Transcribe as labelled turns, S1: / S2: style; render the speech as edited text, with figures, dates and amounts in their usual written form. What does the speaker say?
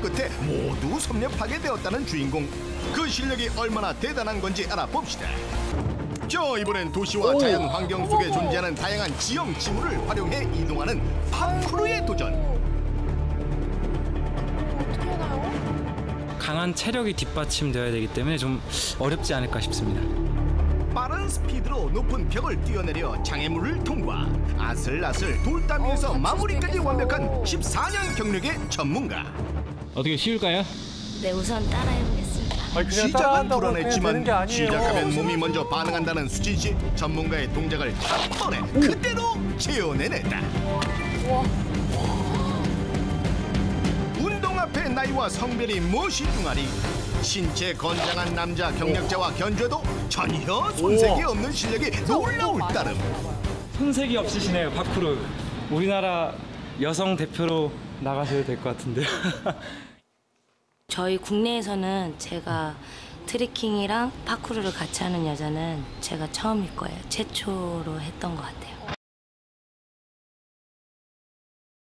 S1: 끝에 모두 섭렵하게 되었다는 주인공. 그 실력이 얼마나 대단한 건지 알아봅시다. 자, 이번엔 도시와 자연 환경 속에 존재하는 다양한 지형 지물을 활용해 이동하는 파쿠르의 도전.
S2: 어떻게 하나요?
S3: 강한 체력이 뒷받침되어야 되기 때문에 좀 어렵지 않을까 싶습니다.
S1: 빠른 스피드로 높은 벽을 뛰어내려 장애물을 통과. 아슬아슬 돌담 위에서 마무리까지 완벽한 14년 경력의 전문가.
S3: 어떻게 쉬울까요?
S4: 네, 우선 따라해보겠습니다.
S5: 아니, 그냥
S1: 시작은
S5: 따라한다고 그냥 되는
S1: 불안했지만
S5: 게 아니에요.
S1: 시작하면 몸이 먼저 반응한다는 수진 씨. 전문가의 동작을 한 번에 그대로 재현해냈다. 운동 앞에 나이와 성별이 무엇이 둥하리. 신체 건장한 남자 경력자와 견주어도 전혀 손색이 없는 실력이 놀라울 따름.
S3: 손색이 없으시네요, 파쿠르. 우리나라 여성 대표로 나가셔도 될 것 같은데요.
S4: 저희 국내에서는 제가 트레킹이랑 파쿠르를 같이 하는 여자는 제가 처음일 거예요. 최초로 했던 것 같아요.